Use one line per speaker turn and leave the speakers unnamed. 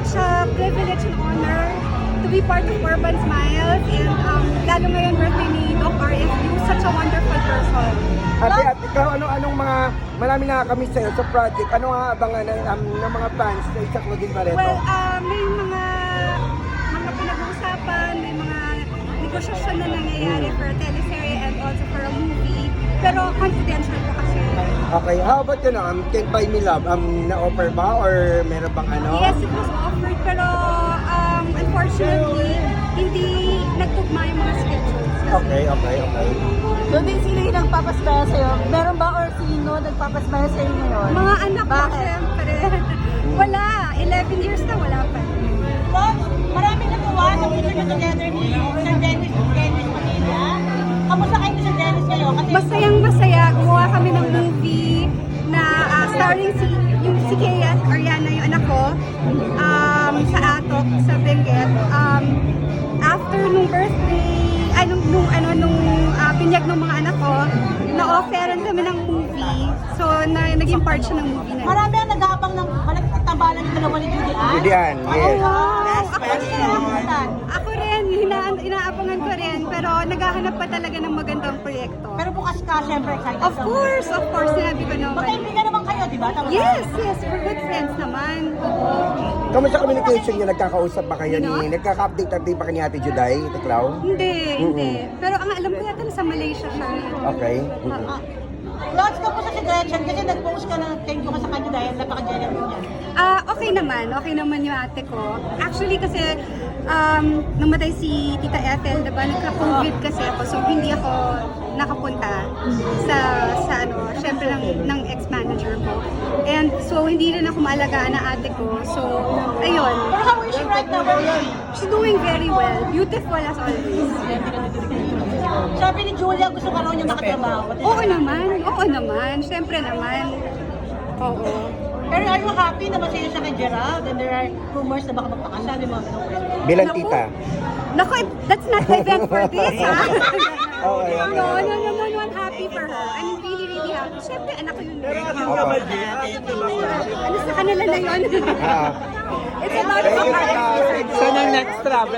such a privilege and honor to be part of Urban Smiles, and lalo ngayon birthday ni Doc RFU, such a wonderful person.
Ate, ikaw, anong mga, marami na kami sa'yo sa project. Ano ang abangan ng mga fans sa Isa Claudine Barreto?
Well, may mga pinag-uusapan, may mga negosyasyon na nangyayari for a teleserye and also for a movie. Pero confidential po kasi.
Okay, how about yun, Can't Buy Me Love? Na-offer ba or meron bang ano?
Yes, it was offered, pero unfortunately, hindi nagtugma yung mga schedules.
Okay.
Doon din sino yung nagpapasbaya sa'yo? Meron ba or sino nagpapasbaya sa'yo ngayon?
Mga anak ko,
Bakit?
syempre. Wala. 11 years na wala pa.
Doon, maraming natuwa sa picture na together ni Sir Dennis Manila. Kamusta kayo ni Sir Dennis kayo? Kasi
Masayang masaya. Gumawa kami ng movie na starring si Kea Ariana, yung anak ko, sa Atok, sa Benguet. After nung birthday, nung binyag ng mga anak ko, na-offeran kami ng movie. So, naging part siya ng movie na.
marami ang nag-aabang ng malagtabalan ng dalawa ni Judy Ann.
Judy Ann, yes.
Ako rin, inaabangan ko rin, pero naghahanap pa talaga ng magandang proyekto.
Pero bukas ka, syempre excited
Of
ka.
course, sinabi ko naman.
Magkaibigan naman kayo, di ba? Tama ba?
Yes, we're good friends naman. Oo.
Kamusta communication niyo? Nagkakausap ba kayo
Ano?
Nagkaka-update ba kayo ni Ate Juday, Tiklaw?
Hindi. Pero ang alam ko yata nasa Malaysia siya.
Okay.
Lots ka po sa si Gretchen kasi nag-post ka na thank you ka sa kanya dahil napaka-genuine niya.
Okay naman yung ate ko. Actually kasi, namatay si Tita Ethel, diba? Nagka-COVID kasi ako, so hindi ako nakapunta sa syempre ng ex-manager ko. And so, hindi rin ako maalagaan na ate ko. So, ayun.
Pero how is she right now? Where is she?
She's doing very well. Beautiful as always.
Sabi ni Julia, gusto ka raw niya makatrabaho.
Oo naman. Syempre naman. Oo.
Pero are you happy na masaya siya kay Gerald? And there are rumors na baka magpakasal yung mga ganun.
Bilang
Naku.
tita.
Naku, that's not the event for this, ha?
Okay.
No, I'm happy for her. I'm really happy. Siyempre, anak ko yun. Ano sa kanila na yun?
Ah.
It's a lot of
Thank you,
fun.
Tiklaw.
Sana next travel.